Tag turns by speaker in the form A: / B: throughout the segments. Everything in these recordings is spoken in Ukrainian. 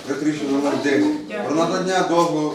A: Проект рішення номер 10. Про надання дозволу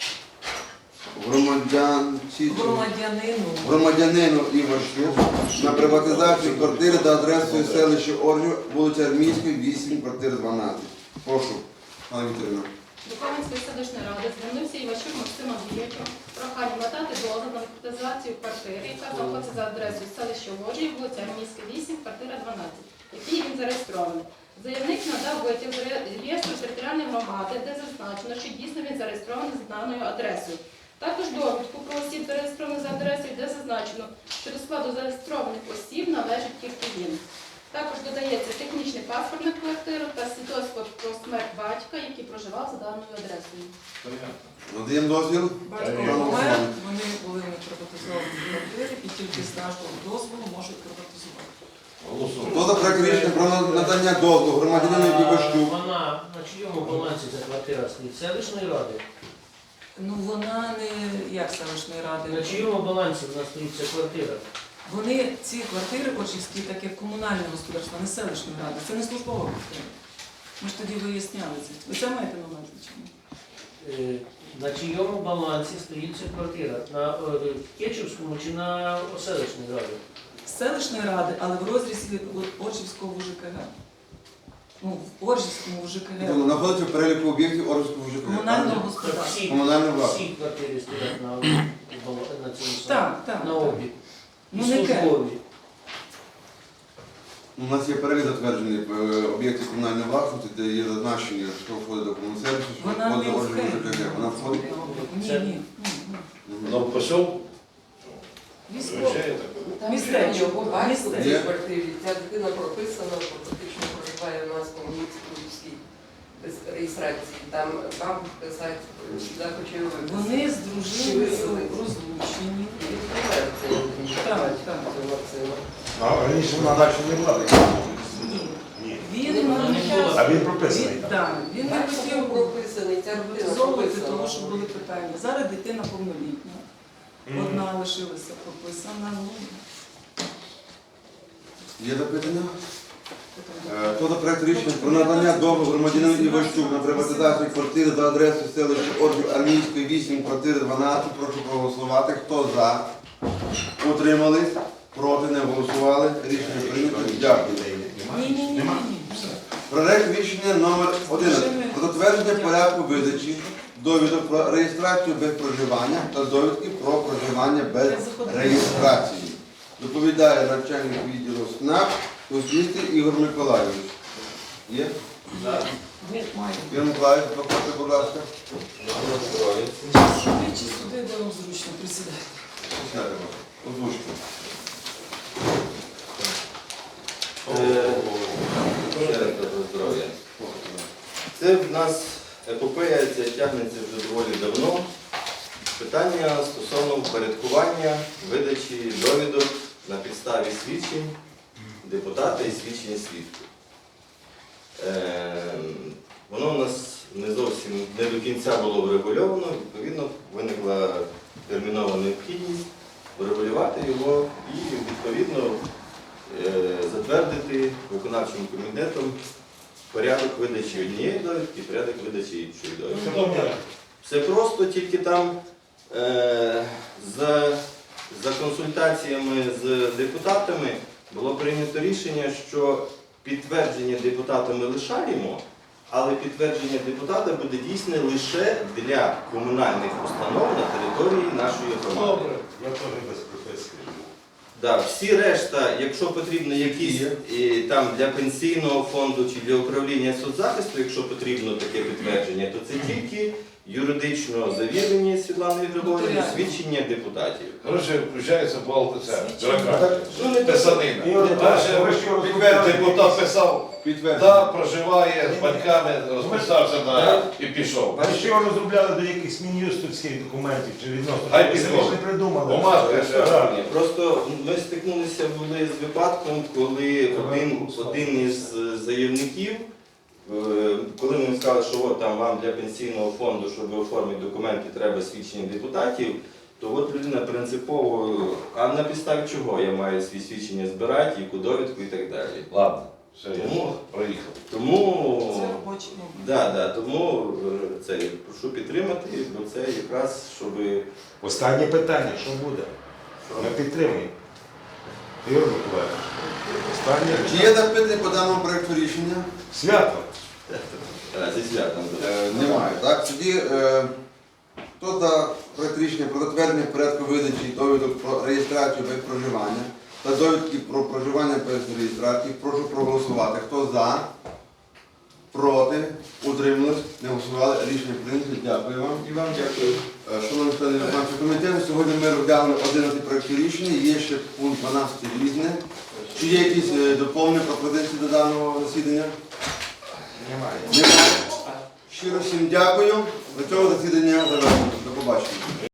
A: громадянину Івашку на приватизацію квартири за адресою селища Оржів, вулиця Армійської, 8, квартира 12. Прошу, пане Вікторівна.
B: До Кам'янської селищної ради звернувся Іващук Максим Андрійович прохання надати дозвіл на приватизацію квартири, яка знаходиться за адресою селища Оржів, вулиця Армійська, 8, квартира 12, який він зареєстрований. Заявник надав витяг з реєстру територіальної громади, де зазначено, що дійсно він зареєстрований з даною адресою. Також довідку про осіб, зареєстрованих за адресою, де зазначено, що до складу зареєстрованих осіб належить тільки він. Також додається технічний паспорт на квартиру та свідоцтво про смерть батька, який проживав за даною адресою.
A: Надаємо дозвіл?
C: Батько помер, вони були не приватизовані квартири і тільки з нашого дозволу можуть приватизувати.
A: Хто за проект рішення про надання дозволу громадянину Івашку?
D: Вона на чийому балансі ця квартира стоїть? Селищної ради?
C: Ну вона не як селищної ради.
D: На чийому балансі вона стоїть ця квартира?
C: Вони, ці квартири Оржівські, так як комунальне господарство, не селищної ради. Це не службова квартира. Ми ж тоді виясняли це. Ви це маєте на увазі чи ні?
D: На чийому балансі стоїть ця квартира? На Кечівському чи на селищній раді?
C: Селищної ради, але в розрізі Оржівського ЖКГ. Ну, в Оржівському ЖКГ.
A: Знаходиться в переліку об'єктів Оржівського ЖКГ.
C: Комунального господарства.
D: Всі квартири стоять на цьому
C: Так.
D: на облік.
C: Ну не ке.
A: У нас є перелік затверджений об'єктів комунальної власності, де є зазначення, що входить до комунального сервісу, що
C: Вона
A: входить
C: не
A: до Оржівського
C: входить.
A: ЖКГ. Вона входить?
C: Ні.
E: Ну, пішов?
C: Військово.
F: Там
C: Містечко.
F: його батько в цій
A: Є?
F: квартирі. Ця дитина прописана, фактично проживає у нас по Міцькій без реєстрації. Там бабушка садить, сюди хоче його виписати.
C: Вони з дружиною розлучені. Так.
E: А раніше вона далі не була така.
C: Ні.
E: Ні.
C: Він
E: Він прописаний.
C: Так, він не
F: Батько
C: хотів
F: прописаний, ця дитина
C: приватизовувати, тому
F: прописана.
C: що були питання. Зараз дитина повнолітня. Одна лишилася прописана. Ну,
A: Є запитання? Хто за проект рішення про надання дозволу громадянину Іващук на приватизацію квартири за адресою селища Оржів Армійської, 8, квартири 12. Прошу проголосувати. Хто за? Утримались? Проти? Не голосували? Рішення прийнято. Дякую.
C: Ні.
A: Проект рішення номер 11. Про затвердження порядку видачі довідок про реєстрацію без проживання та довідки про проживання без реєстрації. Доповідає начальник відділу СНАП Костюстий Ігор Миколайович. Є? Ігор Миколайович, проходьте, будь ласка.
C: Сюди чи сюди, де вам зручно присідати.
A: Сядемо. Озвучте.
G: Здоров'я. Це в нас епопея, ця тягнеться вже доволі давно. Питання стосовно впорядкування видачі довідок на підставі свідчень депутата і свідчення свідків. Воно у нас не зовсім не до кінця було врегульовано, відповідно, виникла термінова необхідність врегулювати його і, відповідно, затвердити виконавчим комітетом порядок видачі однієї довідки, порядок видачі іншої довідки. Все просто, тільки там за консультаціями з депутатами було прийнято рішення, що підтвердження депутатами лишаємо, але підтвердження депутата буде дійсне лише для комунальних установ на території нашої громади.
E: Добре, я теж без прописки.
G: Да, всі решта, якщо потрібно якісь там для пенсійного фонду чи для управління соцзахисту, якщо потрібно таке підтвердження, то це тільки юридично завірені Світланою Григорівною свідчення депутатів.
E: Коротше, включається балка ця.
A: Так,
E: Писанина. Депутат писав,
A: підтвердження.
E: проживає з батьками, розписався і пішов.
H: А що розробляли до якихось мін'юстовських документів чи відносно?
E: Хай
H: Це
E: підходить.
H: ж не придумали.
E: Бумажка, все.
G: Ні, просто ми стикнулися були з випадком, коли один із заявників, коли ми сказали, що от там вам для пенсійного фонду, щоб оформити документи, треба свідчення депутатів, то от людина принципово, а на підставі чого я маю свої свідчення збирати, яку довідку і так далі.
E: Ладно. Все, я
G: Тому-
E: проїхав.
G: Тому,
C: Це робочий момент.
G: тому це, прошу підтримати, бо це якраз, щоб
H: Останнє питання, що буде? Ми підтримуємо. Ігор Миколаївич, останнє
A: Чи
H: питання.
A: є запитання по даному проєкту рішення?
H: Свято.
G: зі святом.
A: Немає. Так, тоді хто за проєкт рішення про затвердження порядку видачі довідок про реєстрацію без проживання та довідки про проживання без реєстрації, прошу проголосувати. Хто за, проти, утримались, не голосували, рішення прийнято. Дякую вам.
G: І вам дякую.
A: Шановні члени виконавчого комітету, сьогодні ми розглянули 11 проєктів рішення, є ще пункт 12 різне. Чи є якісь доповнення, пропозиції до даного засідання?
H: Немає.
A: Немає. Щиро всім дякую. До цього засідання завершено. До побачення.